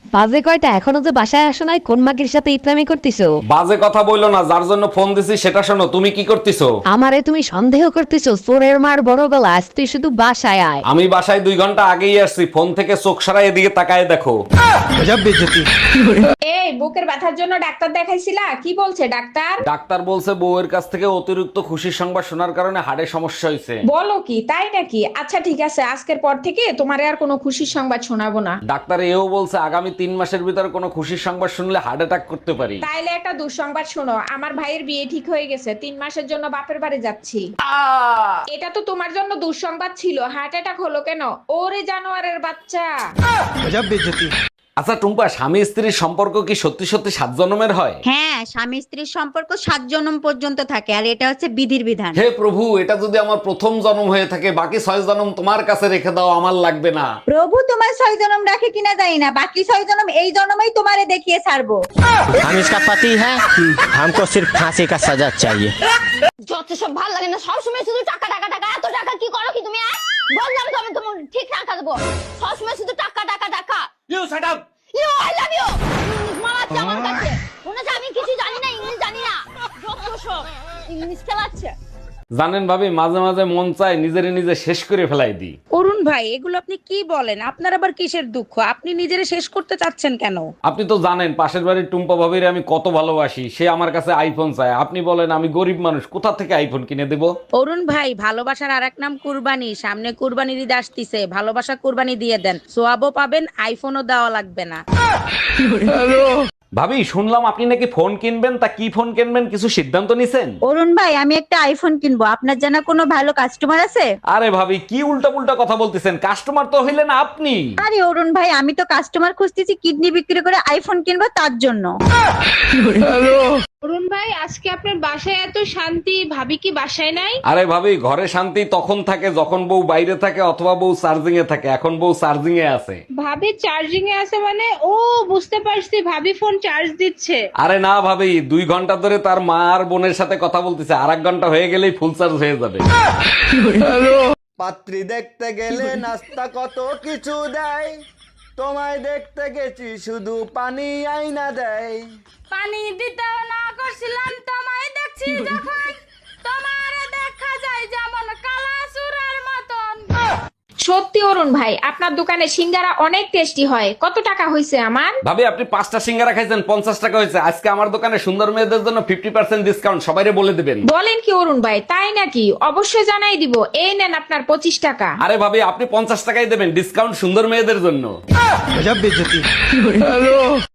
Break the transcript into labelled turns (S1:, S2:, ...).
S1: বাজে কয়টা, এখনো যে বাসায় আসো নাই? কোন মাগির সাথে ইতরামি করতেছো?
S2: বাজে কথা বললো না, যার জন্য ফোন দিছি সেটা শোনো। তুমি কি করতেছো?
S1: আমারে তুমি সন্দেহ করতেছো? চোরের মার বড় গলা, আজ তুই শুধু বাসায় আয়।
S2: আমি বাসায় 2 ঘন্টা আগেই আসছি। ফোন থেকে চোখ সরাই এদিকে তাকায় দেখো।
S3: এই বুকের ব্যথার জন্য ডাক্তার দেখাইছিলা? কি বলছে ডাক্তার?
S2: ডাক্তার বলছে বউয়ের কাছ থেকে অতিরিক্ত খুশির সংবাদ শোনার কারণে হাড়ে সমস্যা হয়েছে।
S3: বলো কি, তাই নাকি? আচ্ছা ঠিক আছে, আজকের পর থেকে তোমারে আর কোনো খুশির সংবাদ শোনাবো না।
S2: ডাক্তার এও বলছে আগামী 3 মাসের ভিতরে কোনো খুশির সংবাদ শুনলে হার্ট অ্যাটাক করতে পারি।
S3: তাইলে একটা দুঃসংবাদ শোনো, আমার ভাইয়ের বিয়ে ঠিক হয়ে গেছে, 3 মাসের জন্য বাপের বাড়ি যাচ্ছি। এটা তো তোমার জন্য দুঃসংবাদ ছিল, হার্ট অ্যাটাক হলো কেন? ওরে জানোয়ারের বাচ্চা।
S2: আচ্ছা টুম্পা, স্বামী স্ত্রীর সম্পর্ক কি সত্যি সত্যি 7 জন্মের হয়?
S4: হ্যাঁ, স্বামী স্ত্রীর সম্পর্ক 7 জন্ম পর্যন্ত থাকে, আর এটা হচ্ছে বিধির বিধান।
S2: হে প্রভু, এটা যদি আমার প্রথম জন্ম হয়ে থাকে, বাকি 6 জন্ম তোমার কাছে রেখে দাও, আমার লাগবে না।
S4: প্রভু তোমার 6 জন্ম রাখে কিনা জানি না, বাকি 6 জন্ম এই জন্মই তোমারে দেখিয়ে ছাড়বো।
S5: हम इसका पति है, हमको सिर्फ फांसी का सजा चाहिए।
S6: যত সব ভালো লাগে না, সবসময় শুধু টাকা টাকা টাকা। এত টাকা কি করো কি তুমি? বললাম তো আমি তোমার ঠিক টাকা দেবো, সবসময় শুধু টাকা টাকা টাকা।
S2: You shut up.
S6: You I love you. English মারাচ্ছে আমার কাছে, মনে হচ্ছে আমি কিছু জানি না, ইংলিশ জানি না। যত সব ইংলিশ খেলাচ্ছে।
S2: জানেন ভাবি, মাঝে মাঝে মন চায় নিজেরে নিজে শেষ করে ফেলাই দিই।
S7: অরুণ ভাই, এগুলো আপনি কি বলেন? আপনার আবার কিসের দুঃখ? আপনি নিজেরে শেষ করতে চাচ্ছেন কেন?
S2: আপনি তো জানেন পাশের বাড়ির টুম্পা ভাবির আমি কত ভালোবাসি। সে আমার কাছে আইফোন চায়। আপনি বলেন আমি গরিব মানুষ, কোথা থেকে আইফোন কিনে দেব?
S7: অরুণ ভাই, ভালোবাসার আরেক নাম কুরবানি। সামনে কুরবানির ঈদ আসতিছে, ভালোবাসা কুরবানি দিয়ে দেন, সোয়াবও পাবেন, আইফোনও দেওয়া লাগবে না।
S2: ভাবি, শুনলাম আপনি নাকি ফোন কিনবেন, তা কি ফোন কিনবেন কিছু সিদ্ধান্ত নিছেন?
S4: অরুণ ভাই, আমি একটা আইফোন কিনবো, আপনার জানা কোনো ভালো কাস্টমার আছে?
S2: আরে ভাবি, কি উল্টা পুল্টা কথা বলতেছেন? কাস্টমার তো হইলেন আপনি।
S4: আরে অরুণ ভাই, আমি তো কাস্টমার খুঁজতেছি কিডনি বিক্রি করে আইফোন কিনবো তার জন্য।
S3: অরুণ ভাই, আজকে আপনার বাসায় এত শান্তি, ভাবি কি বাসায় নাই?
S2: আরে ভাবি, ঘরে শান্তি তখন থাকে যখন বউ বাইরে থাকে অথবা বউ চার্জিং এ থাকে। এখন বউ চার্জিং এ আছে।
S3: ভাবি চার্জিং এ আছে মানে? ও বুঝতে পারছি, ভাবি ফোন চার্জ দিচ্ছে।
S2: আরে না ভাবি, 2 ঘন্টা ধরে তার মা আর বোনের সাথে কথা বলতেছে, আর 1 ঘন্টা হয়ে গেলেই ফুল চার্জ হয়ে যাবে।
S8: পাত্রী দেখতে গেলে নাস্তা কত কিছু দেয়, তোমায় দেখতে গেছি শুধু পানি আইনা দেয়।
S3: পানি দিতেও না করছিলাম, তোমায় দেখছি যখন, তোমার দেখা যায় যেমন কালা সুরার মতন। সত্যি অরুণ ভাই, আপনার দোকানে সিঙ্গারা অনেক টেস্টি হয়। কত টাকা হয়েছে আমার?
S2: ভাবি, আপনি 5টা সিঙ্গারা খাইছেন, 50 টাকা হয়েছে। আজকে আমার দোকানে সুন্দর মেয়েদের জন্য 50% ডিসকাউন্ট, সবাইরে বলে দিবেন।
S3: বলেন কি অরুণ ভাই, তাই নাকি? অবশ্যই জানাই দিব। এই নেন আপনার 25 টাকা।
S2: আরে ভাবি, আপনি 50 টাকাই দেবেন, ডিসকাউন্ট সুন্দর মেয়েদের জন্য।